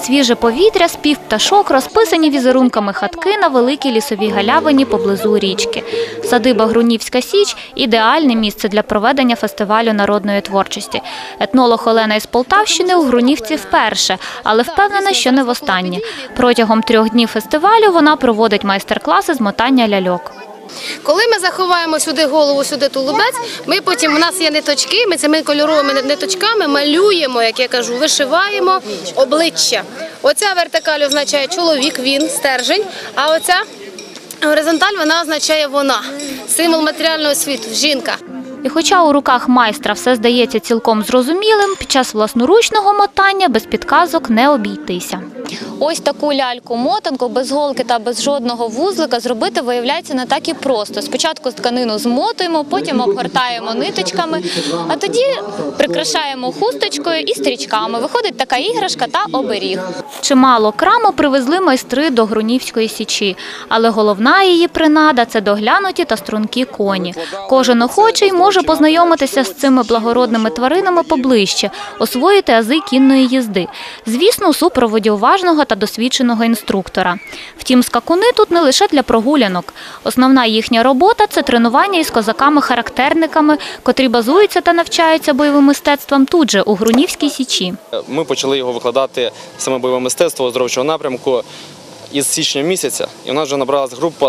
свіже повітря, спів пташок, розписані візерунками хатки на великій лісовій галявині поблизу річки. Садиба Грунівська Січ – ідеальне місце для проведення фестивалю народної творчості. Етнолог Олена із Полтавщини у Грунівці вперше, але впевнена, що не востаннє. Протягом 3 днів фестивалю вона проводить майстер-класи з мотання ляльок. Коли ми заховаємо сюди голову, сюди тулубець, ми потім, у нас є ниточки, ми цими кольоровими ниточками малюємо, як я кажу, вишиваємо обличчя. Оця вертикаль означає чоловік, він, стержень, а оця горизонталь, вона означає вона, символ матеріального світу, жінка. І хоча у руках майстра все здається цілком зрозумілим, під час власноручного мотання без підказок не обійтися. Ось таку ляльку-мотанку без голки та без жодного вузлика зробити виявляється не так і просто. Спочатку тканину змотуємо, потім обгортаємо ниточками, а тоді прикрашаємо хусточкою і стрічками. Виходить така іграшка та оберіг. Чимало краму привезли майстри до Грунівської Січі, але головна її принада – це доглянуті та стрункі коні. Кожен охочий може познайомитися з цими благородними тваринами поближче, освоїти ази кінної їзди. Звісно, у супроводі уважного та досвідченого інструктора. Втім, скакуни тут не лише для прогулянок. Основна їхня робота – це тренування із козаками-характерниками, котрі базуються та навчаються бойовим мистецтвам тут же, у Грунівській Січі. Ми почали його викладати, саме бойове мистецтво оздоровчого напрямку, із січня місяця, і у нас вже набралась група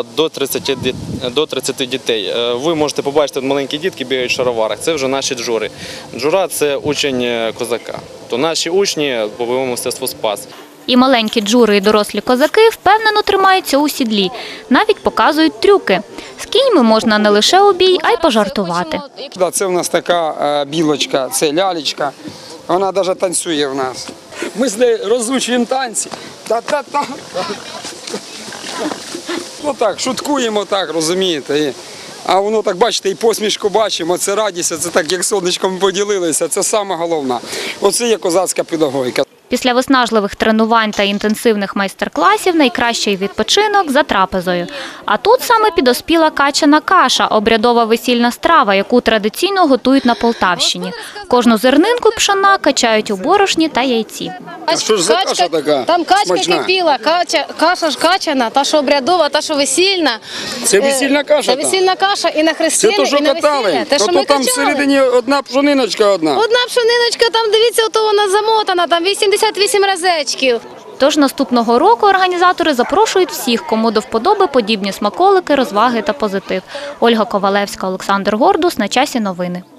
до 30 дітей. Ви можете побачити, маленькі дітки бігають в шароварах, це вже наші джури. Джура – це учень козака, то наші учні по бойовому мистецтву «Спас». І маленькі джури, і дорослі козаки впевнено тримаються у сідлі, навіть показують трюки. З кіньми можна не лише у бій, а й пожартувати. Це в нас така білочка, це лялечка, вона навіть танцює в нас. Ми з нею розучуємо танці. Та-та-та. Ну так, шуткуємо так, розумієте. А воно так, бачите, і посмішку бачимо, це радість, це так, як сонечком поділилися, це саме головне. Оце є козацька педагогіка. Після виснажливих тренувань та інтенсивних майстер-класів найкращий відпочинок за трапезою. А тут саме підоспіла качана каша – обрядова весільна страва, яку традиційно готують на Полтавщині. Кожну зернинку пшона качають у борошні та яйці. А що ж за каша така? Там качка смачна? кипіла, каша ж качана, та що обрядова, та що весільна. Це весільна каша? Це весільна каша і на хрестини, це то, що і на катали? весілля. Те, що ми там качали. всередині одна пшониночка одна. Одна пшониночка, там, дивіться, ото вона замотана, там 88 разечків. Тож наступного року організатори запрошують всіх, кому до вподоби подібні смаколики, розваги та позитив. Ольга Ковалевська, Олександр Гордус. На часі новини.